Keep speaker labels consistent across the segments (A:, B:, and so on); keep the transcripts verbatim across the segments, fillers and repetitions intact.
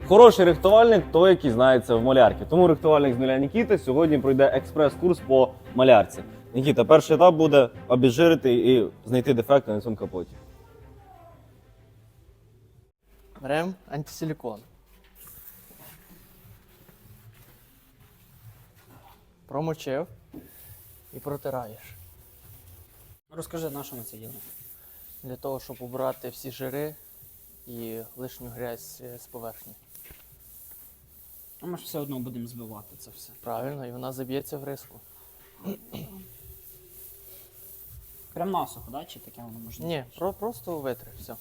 A: Хороший рихтувальник – той, який знається в малярці. Тому рихтувальник з нуля Нікіта сьогодні пройде експрес-курс по малярці. Нікіта, перший етап буде обезжирити і знайти дефекти на цьому капоті.
B: Беремо антисилікон. Промочив і протираєш.
C: Розкажи, на що ми це робимо?
B: Для того, щоб убрати всі жири і лишню грязь з поверхні.
C: А ми ж все одно будемо збивати це все.
B: Правильно, і вона заб'ється в риску.
C: Прям насухо, да? Чи таке воно може?
B: Ні, про, просто витри, все.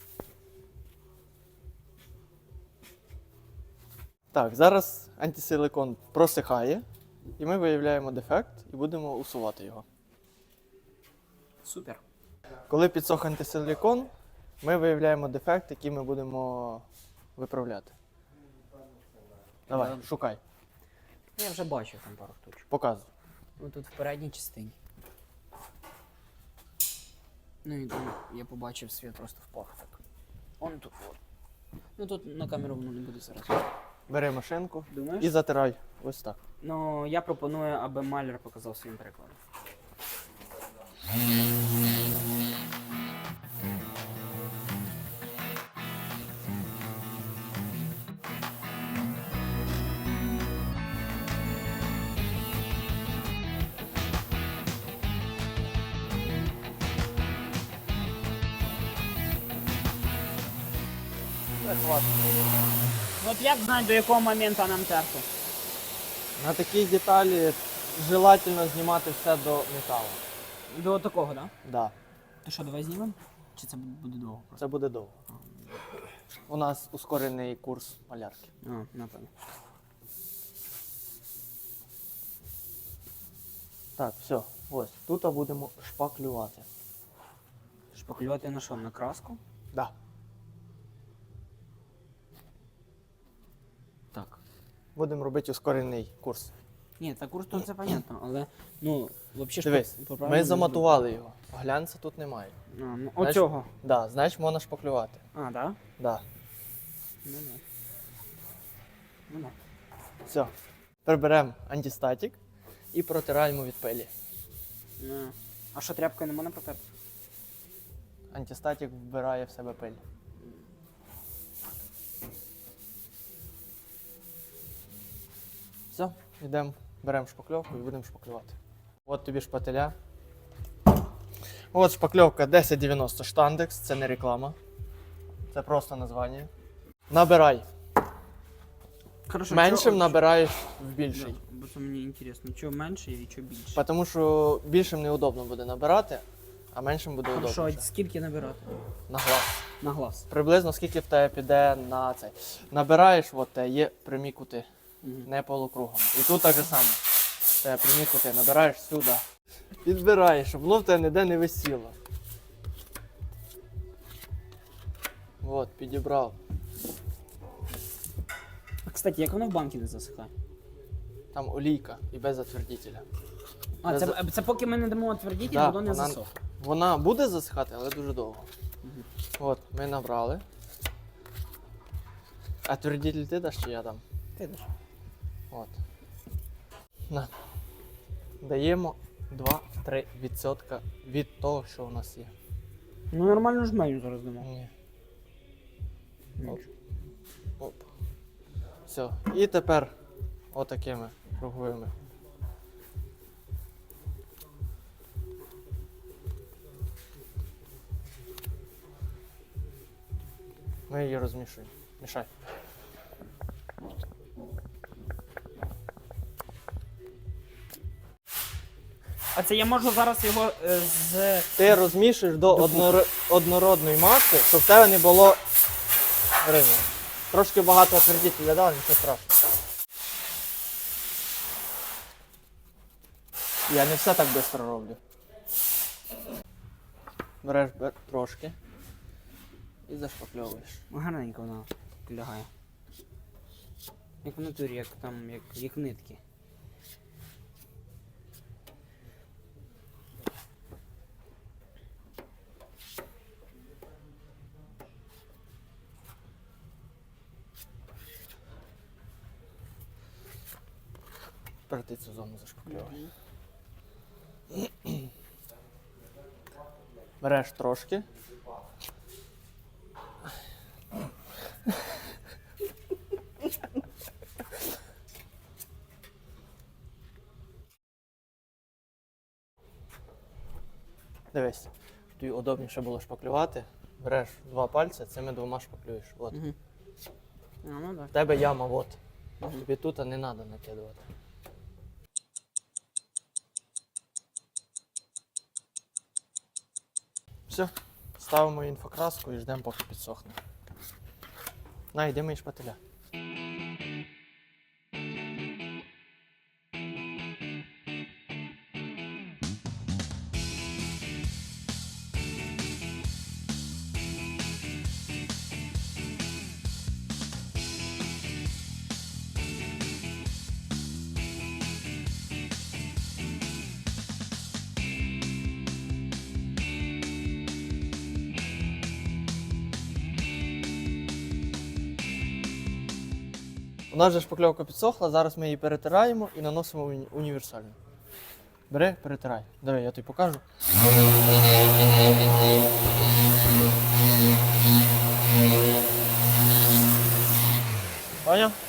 B: Так, зараз антисиликон просихає, і ми виявляємо дефект і будемо усувати його.
C: Супер.
B: Коли підсох антисилікон, ми виявляємо дефект, який ми будемо виправляти. Давай,
C: Е,
B: шукай,
C: Я вже бачив там пару штучок.
B: показуй.
C: Ну тут в передній частині. Ну і там я побачив, світ просто впав так. Он тут от. Ну тут на камеру воно не буде зараз.
B: Бери машинку
C: Думаєш?
B: і затирай. Ось так.
C: Ну я пропоную, аби маляр показав своїм прикладом.
B: Це хватить.
C: От як знати, до якого моменту нам терти?
B: На такій деталі желательно знімати все до металу.
C: До такого, так? Да?
B: Да,
C: То що, давай знімемо? Чи це буде довго просто?
B: це буде довго. У нас ускорений курс малярки.
C: А, напевно.
B: Так, все, ось. Тут будемо шпаклювати.
C: Шпаклювати на що? На краску?
B: Да.
C: Так.
B: Будемо робити ускорений курс.
C: Ні, та курс то це понятно, але ну, взагалі
B: Дивись, ми заматували його. Глянця тут немає.
C: А, ну,
B: Знаєш-
C: оцього.
B: Да, значить можна шпаклювати.
C: А, да?
B: Да.
C: Ну да. Ну да.
B: Все. Тепер беремо антистатік і протираємо від пилі.
C: Ну. А що, тряпкою не можна протерти?
B: Антистатік вбирає в себе пиль. Все, йдемо, беремо шпакльовку і будемо шпаклювати. От тобі шпателя. От шпакльовка десять дев'яносто штандекс, це не реклама. Це просто названня. Набирай.
C: Хорошо,
B: Меншим
C: чого-
B: набираєш в більший.
C: Да, бо це мені інтересно, що менше і що більше.
B: Тому що більшим неудобно буде набирати, а меншим буде
C: Хорошо,
B: удобніше.
C: а скільки набирати?
B: На глаз.
C: На глаз.
B: Приблизно скільки в тебе піде на цей. Набираєш, от те є прямі кути,
C: Мгм.
B: не полукругом. І тут так же само. В тебе прямі кути, набираєш сюди. Підбираєш, щоб воно в тебе ніде не висіло. От, підібрав.
C: А, кстати, як воно в банки не засихає?
B: Там олійка і без затвердителя.
C: А,
B: Не
C: це,
B: за-
C: це поки ми не дамо отвердітель,
B: Да,
C: воно не
B: вона-
C: засохне.
B: Вона буде засихати, але дуже довго.
C: Мгм.
B: От, ми набрали. А твердитель ти даш чи я дам?
C: Ти даш.
B: От. На. Даємо два-три відсотка від того, що у нас є.
C: Ну нормально жменю зараз дамо.
B: Ні.
C: Ну,
B: Оп. Оп. Все. І тепер отакими круговими. Ми її розмішуємо. Мішай.
C: А це я можу зараз його е, з.
B: Ти розмішуєш до однор... однородної маси, щоб в тебе не було ризу. Трошки багато отвердителя дав, нічого страшного. Я не все так швидко роблю. Береш бер... трошки і зашпакльовуєш.
C: Гарненько вона лягає. Як в натурі, як там, як, як нитки.
B: Тепер ти цю зону зашпакльовуй. Береш трошки. Дивись, тобі удобніше було шпаклювати. Береш два пальці, цими двома шпаклюєш. От.
C: Угу. А, ну так.
B: В тебе яма, от.
C: Мгм.
B: Тобі тут не треба накидувати. Все, ставимо інфокраску і ждемо, поки підсохне. На, йди мої шпателя. У нас же шпакльовка підсохла, зараз ми її перетираємо і наносимо уні- універсальну. Бери, перетирай. Давай, я тобі покажу. Поняв?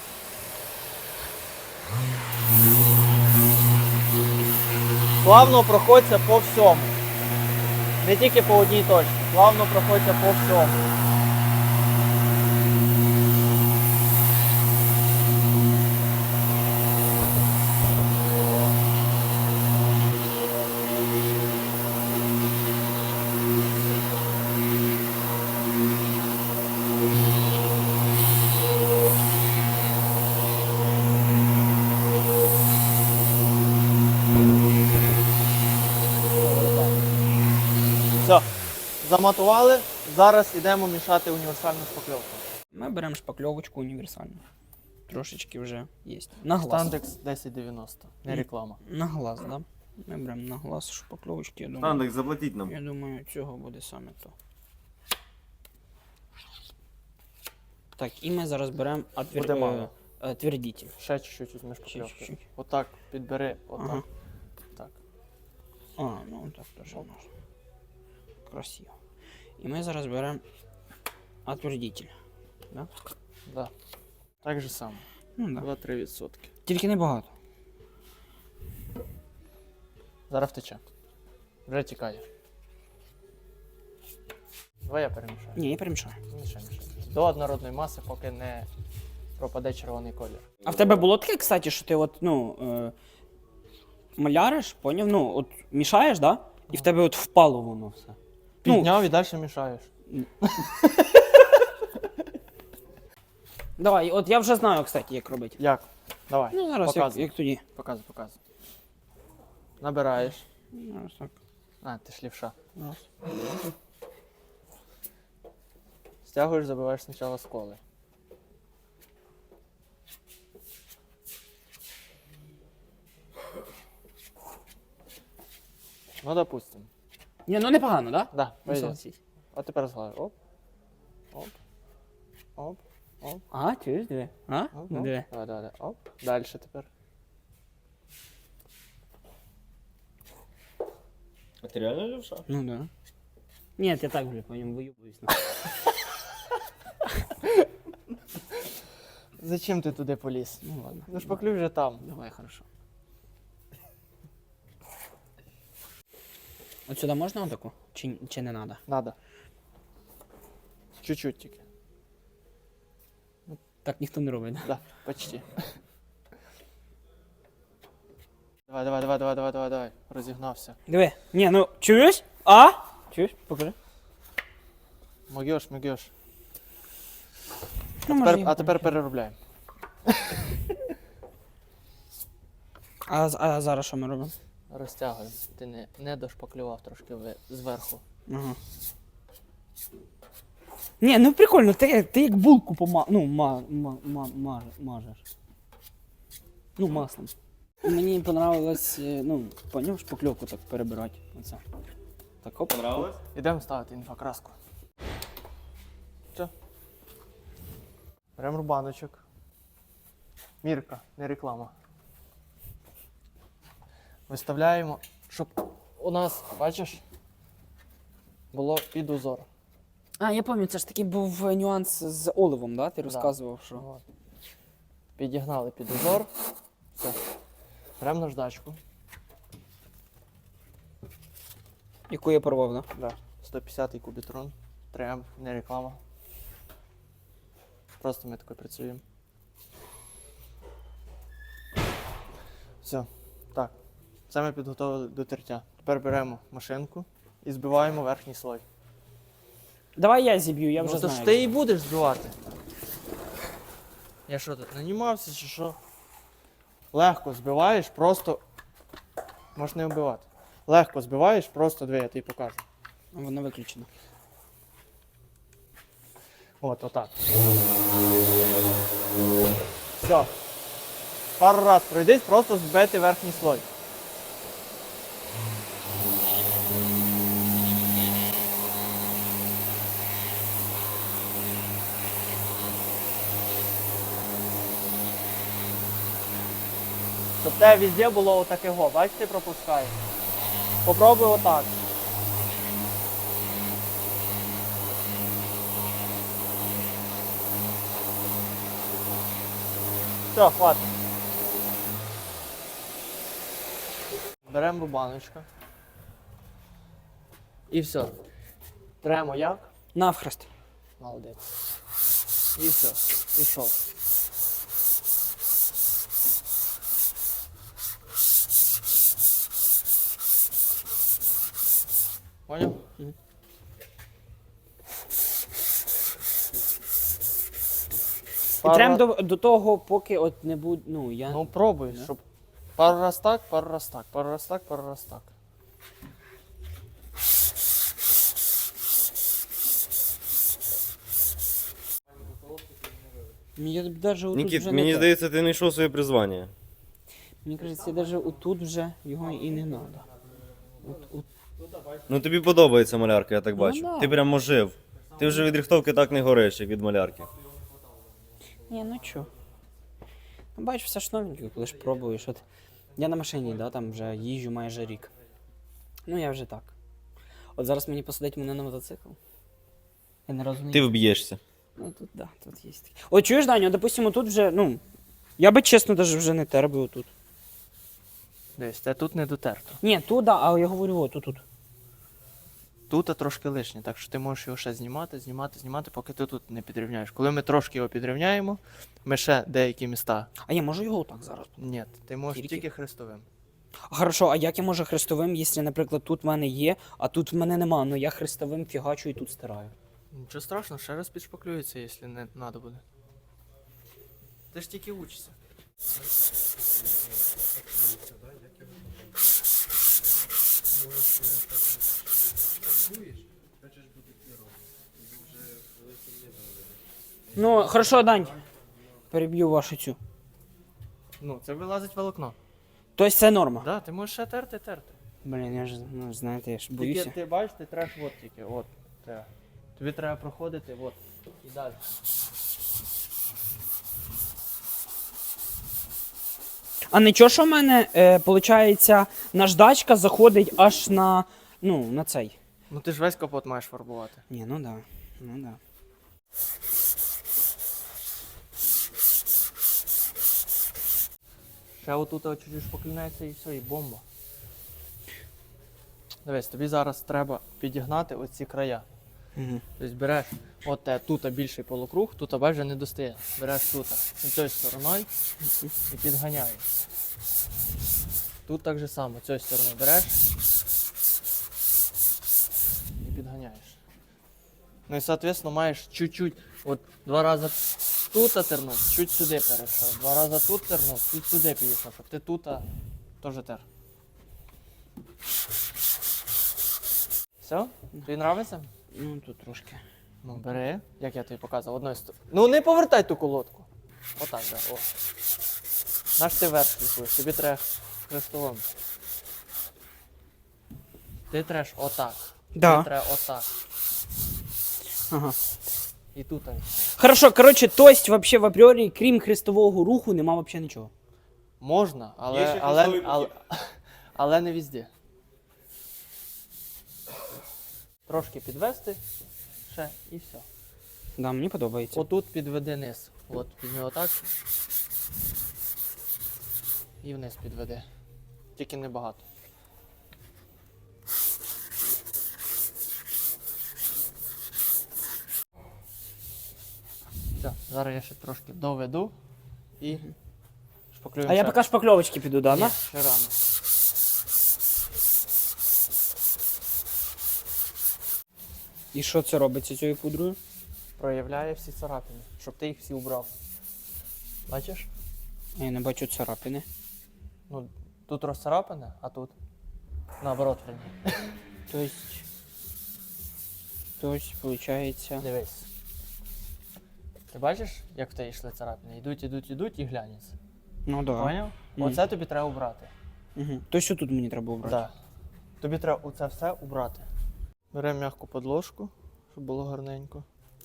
B: Плавно проходься по всьому. Не тільки по одній точці, плавно проходься по всьому. Все, заматували. Зараз йдемо мішати універсальну шпакльовку.
C: Ми беремо шпакльовочку універсальну. Трошечки вже є. На глаз.
B: Стандекс десять дев'яносто, не реклама.
C: На глаз, так? Да? Ми беремо на глаз шпакльовочки, я думаю.
A: Стандекс, заплатіть нам.
C: Я думаю, цього буде саме то. Так, і ми зараз беремо отвер...
B: Буде мало.
C: е, твердитель.
B: Ще чуть-чуть візьми
C: Ще
B: шпакльовки.
C: чуть-чуть.
B: Отак підбери, отак.
C: Ага.
B: Так.
C: А, ну так теж можна. Красиво. І ми зараз беремо отвердитель. Да?
B: Да. Так же само.
C: Ну, да.
B: два-три відсотки.
C: Тільки не багато.
B: Зараз втече. Вже тікає. Давай я перемішаю.
C: Ні, я перемішаю.
B: Мішай, мішай. До однородної маси, поки не пропаде червоний колір.
C: А в тебе було таке, кстати, що ти от, ну, е, маляриш, поняв? Ну, от мішаєш, да? І в тебе от впало воно все. Ну,
B: Підняв і далі мішаєш.
C: давай, от я вже знаю, кстати, як робити.
B: Як? Давай.
C: Ну, зараз як,
B: показуй.
C: як тоді.
B: Показуй, показуй. Набираєш.
C: Зараз так.
B: А, ти ж лівша.
C: Раз.
B: Стягуєш, забиваєш спочатку сколи. Ну, допустим.
C: Ні, ну непогано, да?
B: Да,
C: Ну,
B: пойдет.
C: согласись.
B: А тепер зглади. Оп. Оп. Оп. Оп.
C: Ага, чуєш, диви. А?
B: Оп.
C: Ну,
B: Оп.
C: диви.
B: Давай, давай, давай. Оп. Далі тепер.
A: А ти реально левша?
C: Ну, да. Ні, я так вже по ньому виюбуюсь.
B: Зачем ти туди поліз?
C: Ну, ладно.
B: Ну шпаклюй вже там.
C: Давай, хорошо. От сюди можна отаку? Чи, чи не треба?
B: Надо. Чуть-чуть тільки.
C: Так ніхто не робить, да?
B: Да, почти. Давай, давай, давай, давай, давай, давай, давай. Розігнався.
C: Диви. Ні, ну, чуєш? А? Чуєш? Покажи.
B: Могеш, могеш.
C: Ну,
B: Тепер,
C: може,
B: а
C: і-
B: тепер переробляємо.
C: А, з- а зараз що ми робимо?
B: Розтягуємо. Ти не, не дошпаклював трошки ви- зверху.
C: Ага. Ні, ну прикольно, ти, ти як булку пома... ну, ма, ма, ма, маж, мажеш. Ну, маслом. Мені понравилось, е, ну, поняв, шпакльовку так перебирати. Оце. Так, хоп.
A: Понравилось?
B: Ідемо ставити інфокраску. Все. Беремо рубаночок. Мірка, не реклама. виставляємо, щоб у нас, бачиш, було під узор.
C: А, я пам'ятаю, це ж такий був нюанс з оливом, да? Ти розказував, що.
B: От. Підігнали під узор. Все. Беремо наждачку.
C: Яку я порвав, да?
B: Да. сто п'ятдесят кубітрон. три ем, не реклама. Просто ми тако працюємо. Все. Так. Це ми підготовили до тертя. Тепер беремо машинку і збиваємо верхній слой.
C: Давай я зіб'ю, я вже
B: Ну, то
C: знаю.
B: ж ти і будеш збивати. Я що тут, нанімався чи що? Легко збиваєш, просто. Можеш не вбивати. Легко збиваєш, просто диви, я тобі покажу.
C: Воно виключено.
B: От, отак. Все. Пару раз пройдись, просто збити верхній слой. Щоб те везде було отакого, бачите, пропускає. Попробуй отак. Все, хватить. Беремо рубаночку. І все. Тремо як?
C: Навхрест.
B: Молодець. І все. Пішов. Поняв?
C: Мгм. І
B: Пару
C: трем
B: раз-
C: до, до того, поки от не буде. Ну, я.
B: Ну пробуй,
C: Да?
B: щоб пару раз так, пару раз так, пару раз так, пару раз так.
C: Мені навіть отут
A: Нікіт,
C: вже
A: мені
C: не те.
A: здається, ти не знайшов своє призвання.
C: Мені кажеться, навіть отут вже його і не треба. От, от.
A: Ну тобі подобається малярка, я так
C: Ну,
A: бачу.
C: да.
A: Ти прям ожив. Ти вже від рихтовки так не гориш, як від малярки.
C: Ні, ну чо. Ну, бачиш, все ж новеньке, коли ж пробуєш. От я на машині, да, там вже їжджу майже рік. Ну я вже так. От зараз мені посадить мене на мотоцикл. Я не розумію.
A: Ти вб'єшся.
C: Ну тут, да, тут є таке. От чуєш, Даню, допустимо, тут вже, ну. Я би чесно навіть вже не тер би отут.
B: Десь, це тут не дотерто.
C: Ні, тут, да, а я говорю, от тут.
B: Тут трошки лишнє, так що ти можеш його ще знімати, знімати, знімати, поки ти тут не підрівняєш. Коли ми трошки його підрівняємо, ми ще деякі міста.
C: А я можу його отак зараз.
B: Ні, ти можеш
C: Тільки?
B: тільки хрестовим.
C: Хорошо, а як я можу хрестовим, якщо, наприклад, тут в мене є, а тут в мене нема, ну я хрестовим фігачу і тут стираю.
B: Нічого страшного, ще раз підшпаклюється, якщо не треба буде. Ти ж тільки учишся.
C: Ну, хорошо, Дань. Переб'ю вашу цю.
B: Ну, це вилазить волокно.
C: Тобто це норма.
B: Да, ти можеш ще терти, терти.
C: Блін, я ж, ну, знаєте, я ж
B: Тільки
C: боюся.
B: ти бачиш, ти треш от тільки, от. Треба. Тобі треба проходити, от. І далі.
C: А нічого, що в мене, е, виходить, наждачка заходить аж на, ну, на цей.
B: Ну ти ж весь капот маєш фарбувати.
C: Ні, ну да, ну да.
B: Ще отут чуть-чуть шпаклюнеться і все, і бомба. Дивись, тобі зараз треба підігнати оці края.
C: Угу.
B: Тобто береш от те, тут більший полукруг, тут вже не достає. Береш тут, цією стороною і підганяєш. Тут так же само, цією стороною береш і підганяєш. Ну і, соответственно, маєш чуть-чуть, от два рази тут тернув, чуть сюди перейшов. Два рази тут тернув, чуть сюди підійшов, щоб ти тут теж тер. Все? Тобі нравиться?
C: Ну, тут трошки.
B: Ну, бери, як я тобі показував, одною стороною. Ну не повертай ту колодку. Отак, да, о. Наш ти вверх сліпуєш, тобі треба хрестовим. Ти треш отак.
C: Да.
B: Тобі треба отак.
C: Ага.
B: І тут.
C: Хорошо, коротше, тость вообще в апріорі, крім хрестового руху, нема вообще нічого.
B: Можна,
A: Є
B: але,
A: ще
B: але,
A: хрестовий
B: але,
A: похід.
B: але не везде. Трошки підвести ще і все.
C: Да, мені подобається.
B: Отут підведи низ. От, візьми отак. І вниз підведи. Тільки небагато. Все, зараз я ще трошки доведу і шпаклюємо.
C: А я
B: ще.
C: поки шпакльовочки піду, да?
B: Ні,
C: да?
B: ще рано.
C: І що це робиться цією пудрою?
B: Проявляє всі царапини, щоб ти їх всі убрав. Бачиш?
C: Я не бачу царапини.
B: Ну, тут розцарапане, а тут наоборот верні.
C: Тобто, тобто, виходить...
B: Дивись. Ти бачиш, як в тебе йшли царапини? Йдуть, йдуть, йдуть і глянеться.
C: Ну да.
B: Поняв?
C: Мгм.
B: Оце тобі треба убрати.
C: Угу. То що тут мені треба обрати?
B: Так. Тобі треба оце все убрати. Беремо м'яку подложку, щоб було гарненько.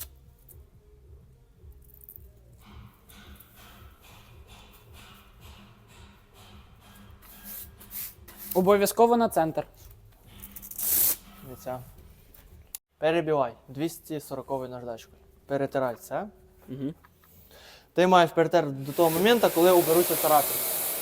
C: Обов'язково на центр.
B: Дивіться. Перебивай двісті сорок наждачкою. Перетирай це.
C: Угу.
B: Ти маєш перетерти до того моменту, коли уберуться царапини.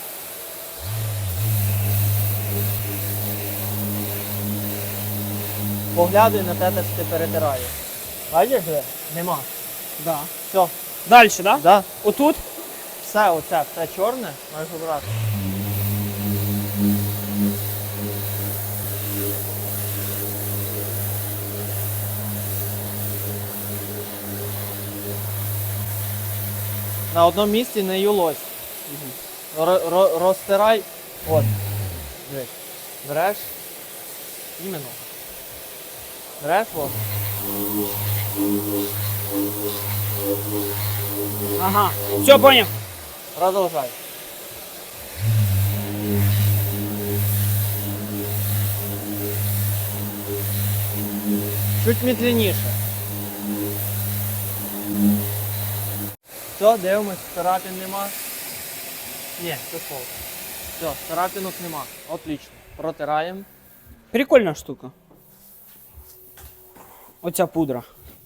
B: Поглядуй на те, що ти перетираєш. Бачиш, де? Нема.
C: Да.
B: Все.
C: Далі, да?
B: Да.
C: Отут?
B: Все оце, все чорне, маєш обрати. На одному місці не юлось. Ро- ро- розтирай. От. Дивись. Береш. Іменно. Береш, от.
C: Ага. Все, поняв.
B: Продовжай. Чуть медленніше. Все, дивимось, царапин нема. Ні, це слово. Все, царапинок нема. Отлично. Протираємо.
C: Прикольна штука. Оця пудра.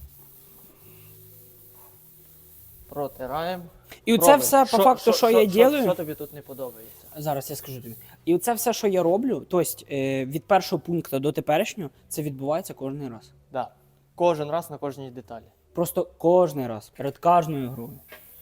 B: Протираємо.
C: І оце
B: Пробуй.
C: все по факту, що я роблю.
B: Що тобі тут не подобається?
C: Зараз я скажу тобі. І оце все, що я роблю, тобто е, від першого пункту до теперішнього, це відбувається кожен раз.
B: Да. Кожен раз на кожній деталі.
C: Просто кожен раз, перед кожною грою.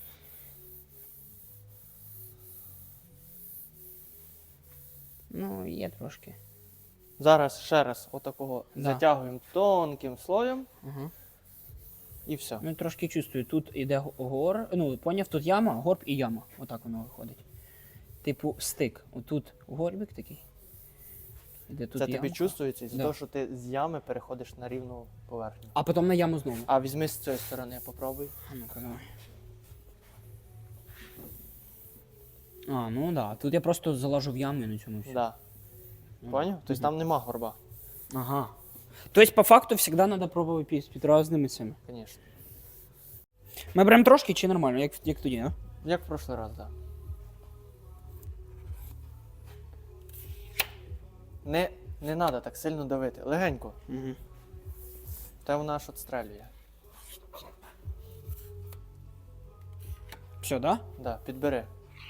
C: Ну, є трошки.
B: Зараз ще раз отакого
C: Да.
B: затягуємо тонким слоєм
C: Ага.
B: і все.
C: Ну, трошки чувствую, тут іде го- гор, ну, поняв, тут яма, горб і яма. Отак воно виходить. Типу стик. Отут горбик такий. Іде тут
B: Це тобі
C: ямка.
B: чувствується із-за
C: Да.
B: того, що ти з ями переходиш на рівну поверхню.
C: А потім на яму знову.
B: А візьми з цієї сторони, попробуй.
C: А ну-ка, давай. А, ну да. Тут я просто залажу в яму і на цьому все.
B: Да. Поняв? Тобто там нема горба,
C: Ага. Тобто, по факту, завжди треба пробувати під, під різними цими.
B: звісно.
C: Ми беремо трошки чи нормально, як, як тоді, а?
B: Як в прошлий раз, так. Да. Не, не треба так сильно давити. Легенько.
C: Угу.
B: Та вона аж отстрелює.
C: Все, да?
B: Да, підбери.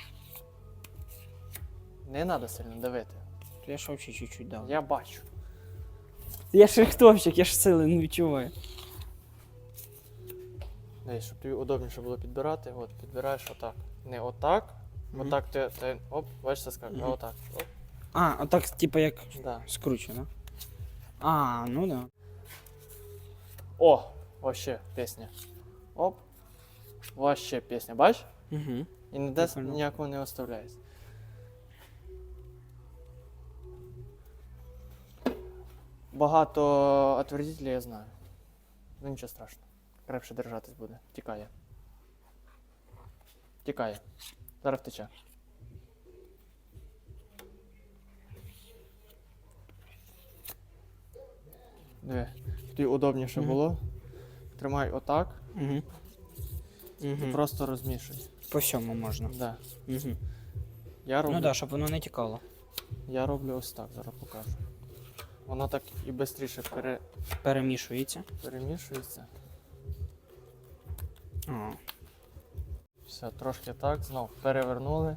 B: Не треба сильно давити.
C: Я ж взагалі чуть-чуть дав.
B: Я бачу.
C: Я ж рихтовщик, я ж сили не відчуваю.
B: Дивись, щоб тобі удобніше було підбирати, от підбираєш отак. Не отак.
C: Мгм.
B: Отак ти, ти оп, бачиш, це скажу, а
C: Мгм.
B: отак. Оп,
C: А, отак, типа як
B: да.
C: скручено. А, ну да.
B: О, вообще пісня. Оп. Вообще пісня, бачиш?
C: Угу.
B: І ніде
C: Прикольно.
B: ніякого не оставляється. Багато отвердителей я знаю. Ну нічого страшного. Крепше держатись буде. Тікає. Тікає. Зараз втече. Диви, тобі удобніше
C: Мгм.
B: було. Тримай отак
C: Угу.
B: і
C: Угу.
B: просто розмішуй.
C: По всьому можна.
B: Да.
C: Угу.
B: Я роблю.
C: Ну да, щоб воно не тікало.
B: Я роблю ось так, зараз покажу. Воно так і швидше пере...
C: Перемішується.
B: перемішується.
C: А.
B: Все, трошки так, знов перевернули.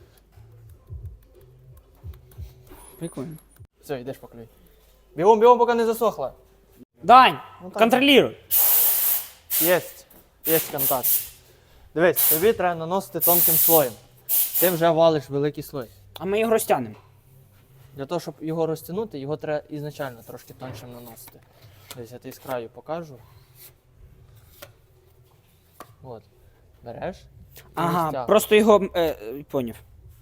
C: Прикольно.
B: Все, йдеш поклюй. Бігом, бігом, поки не засохла.
C: Дань,
B: Ну, так.
C: контролюй.
B: Єсть. Єсть контакт. Дивись, тобі треба наносити тонким слоєм. Ти вже валиш великий слой.
C: А ми його розтягнемо.
B: Для того, щоб його розтягнути, його треба ізначально трошки тоншим наносити. Десь я тобі з краю покажу. От. Береш. і
C: Ага,
B: розтягуєш.
C: просто його е, е, поняв.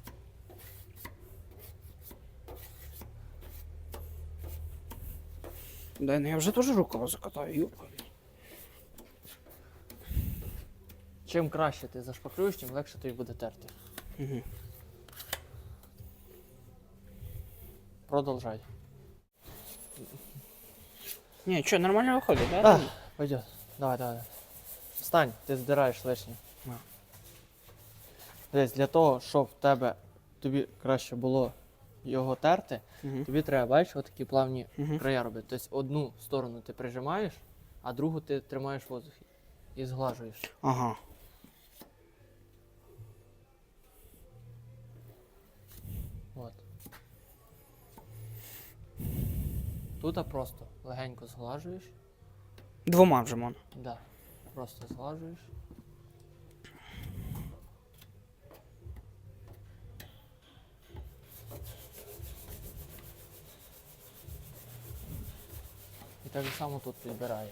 C: Да, ну я вже теж рукава закатаю, юбка.
B: Чим краще ти зашпаклюєш, тим легше тобі буде терти.
C: Угу.
B: Продовжай.
C: Ні, що, нормально виходить, да?
B: А, пойдет. Давай, давай. Встань, ти здираєш лишнє.
C: На.
B: Десь для того, щоб в тебе тобі краще було його терти,
C: Угу.
B: тобі треба, бачиш, отакі плавні
C: Угу.
B: края робити. Тобто одну сторону ти прижимаєш, а другу ти тримаєш в воздухі і зглажуєш.
C: Ага.
B: От. Тут просто легенько зглажуєш.
C: Двома вже мон.
B: Да. Просто зглажуєш. І так само тут підбираєш.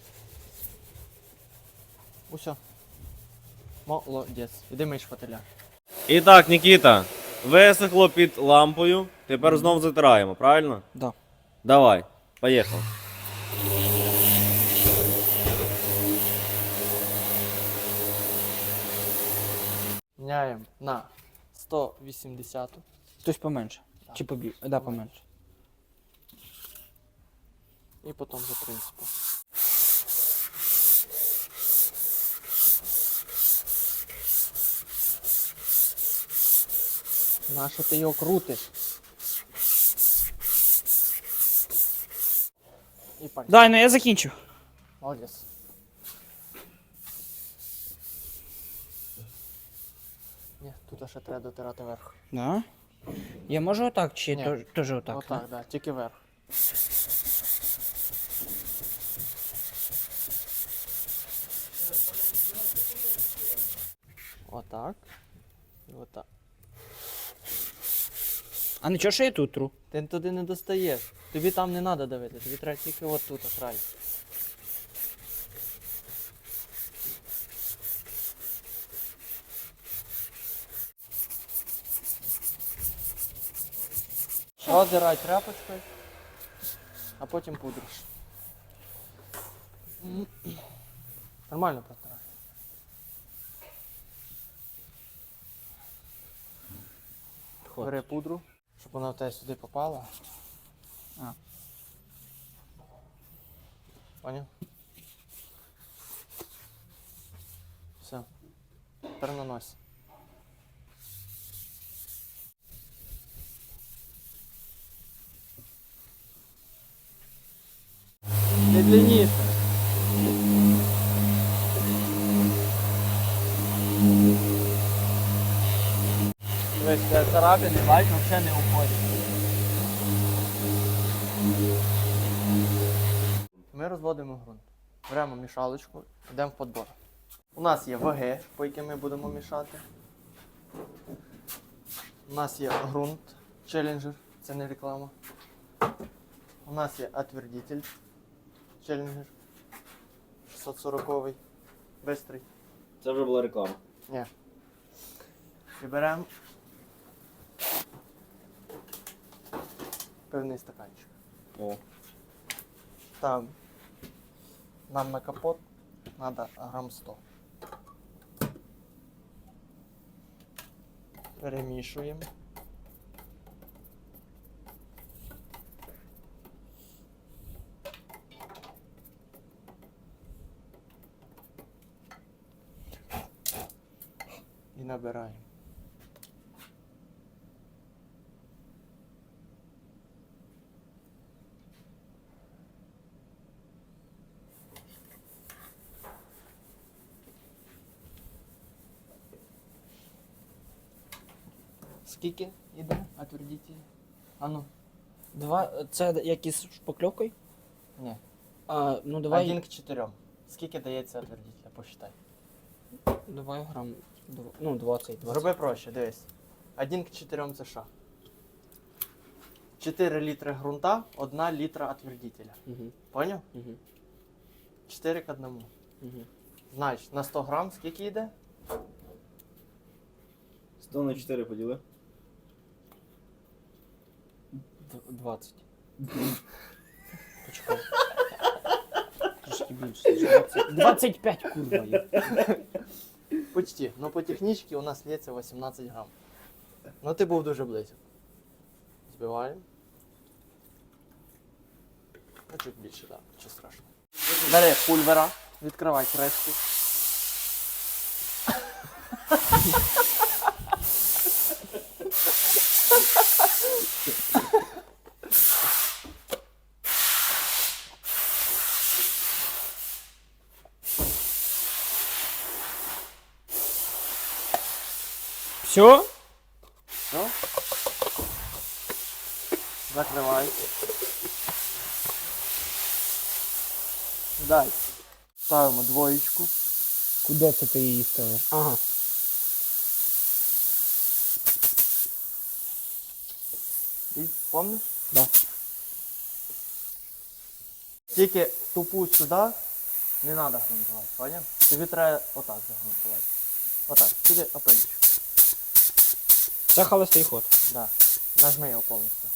B: Усьо. Молодець. Іди мий шпателя.
A: І так, Нікіта, висохло під лампою. Тепер знов затираємо, правильно?
C: Да.
A: Давай, поїхав.
B: Міняємо на сто вісімдесят.
C: Тобто поменше.
B: Да.
C: Чи побі... Да, поменше.
B: І потім за принципом. Нащо ти його крутиш? І пальці.
C: Дай, ну я закінчу.
B: Молодець. Ні, тут ще треба дотирати верх.
C: Да? Я можу отак, чи
B: Ні.
C: то- теж отак?
B: Отак, так, да, тільки верх. Отак. І отак.
C: А нічого, що я тут тру?
B: Ти туди не достаєш. Тобі там не треба давити, тобі треба тільки от тут, край. Роздирай тряпочкою, а потім пудриш. Нормально протирай. Бери пудру, щоб вона в тебе сюди попала.
C: А.
B: Поняв? Все. Тепер нанось. Не длинніше. Дивись, це царапини, бачиш, взагалі не уходять. Ми розводимо ґрунт. Беремо мішалочку, йдемо в подбор. У нас є ваги, по яким ми будемо мішати. У нас є ґрунт, челленджер, це не реклама. У нас є отвердитель, челленджер, шістсот сороковий, бистрий.
A: Це вже була реклама.
B: Ні. І беремо пивний стаканчик.
A: О.
B: Там нам на капот треба грам сто. Перемішуємо. І набираємо. Скільки йде отвердитель? А ну.
C: Два. Це як із шпакльовкою?
B: Ні.
C: А, ну давай.
B: Один к чотирьом. Скільки дається отвердителя? Посчитай.
C: Давай грам. дв- Ну, двадцять. двадцять.
B: Зроби проще, дивись. Один к чотирьом це що? чотири літри ґрунта, одна літра отвердителя.
C: Угу.
B: Поняв?
C: Угу.
B: чотири к одному.
C: Угу.
B: Значить, на сто грам скільки йде?
A: сто на чотири поділи.
C: двадцять. Почекай. Трішки більше. двадцять. двадцять п'ять, курва. є.
B: Почти. Ну по технічці у нас лється вісімнадцять грам. Ну ти був дуже близько. Збиваємо. А чуть більше, так, нічого страшного. Бери пульвера, відкривай кришку.
C: Все?
B: Все. Закривай. Далі. Ставимо двоєчку.
C: Куди це ти її ставиш? Ага.
B: І помниш?
C: Да.
B: Тільки тупу сюди не треба грунтувати, поняв? Тобі треба отак загрунтувати. Отак, сюди опельчик.
C: Це холостий ход.
B: Да. Нажми його повністю.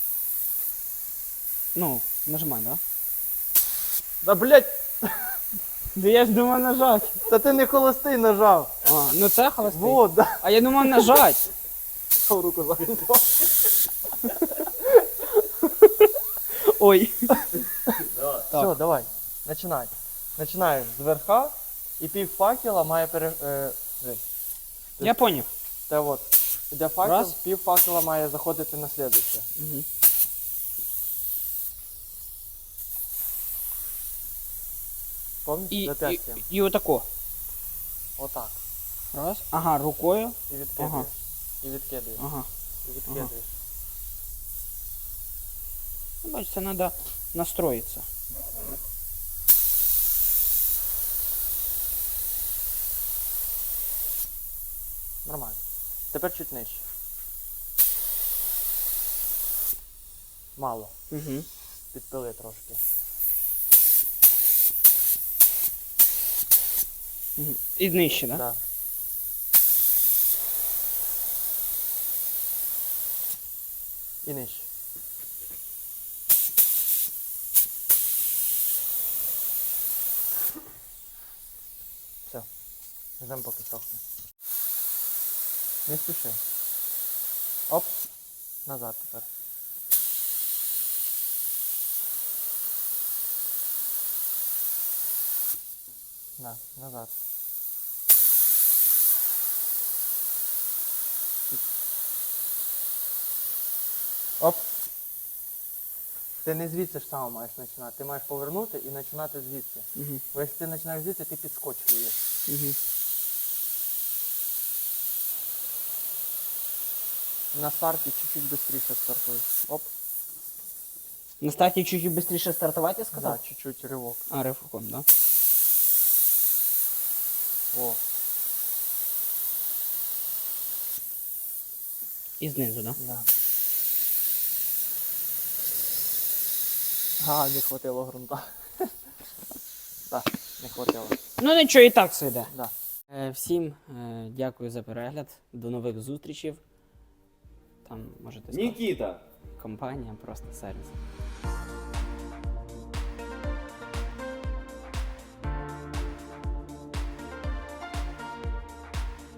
C: Ну, нажимай, да?
B: Да блять,
C: Да я ж думав нажать.
B: та ти не холостий нажав.
C: А, ну це холостий.
B: Вот, да.
C: А я думав нажать.
B: Став руку загрунтував.
C: Ой.
B: Все, давай, починай. Починаєш з верха і пів факела має пере... Е, дивись.
C: Я поняв.
B: Те от, іде факел,
C: Раз.
B: пів факела має заходити на слідуще.
C: Угу.
B: Помніш?
C: І, і,
B: Запястям.
C: і отако.
B: Отак.
C: Раз. Ага, рукою.
B: І відкидуєш.
C: Ага.
B: І відкидуєш.
C: Ага.
B: І відкидуєш.
C: Ну, бачиш, це треба настроїтися.
B: Нормально. Тепер чуть нижче. Мало.
C: Угу.
B: Підпили трошки.
C: Угу. І нижче, так? Да?
B: Да. І нижче. Все. Ждемо поки сохне. Не спіши. Оп. Назад тепер. Да, назад. Оп. Ти не звідси ж саме маєш починати. Ти маєш повернути і починати звідси.
C: Угу.
B: Бо якщо ти починаєш звідси, ти підскочуєш.
C: Угу.
B: На старті чуть-чуть швидше стартуй. Оп.
C: На старті чуть-чуть швидше стартувати, сказав?
B: Да, чуть-чуть ривок.
C: А, ривком, да?
B: О.
C: І знизу, да?
B: Да. А, не хватило ґрунта. Так, не хватило.
C: Ну нічого, і так все йде.
B: Да.
C: Е, всім е, дякую за перегляд. До нових зустрічей. Там можете сказати.
A: Нікіта!
C: Компанія, просто сервіс.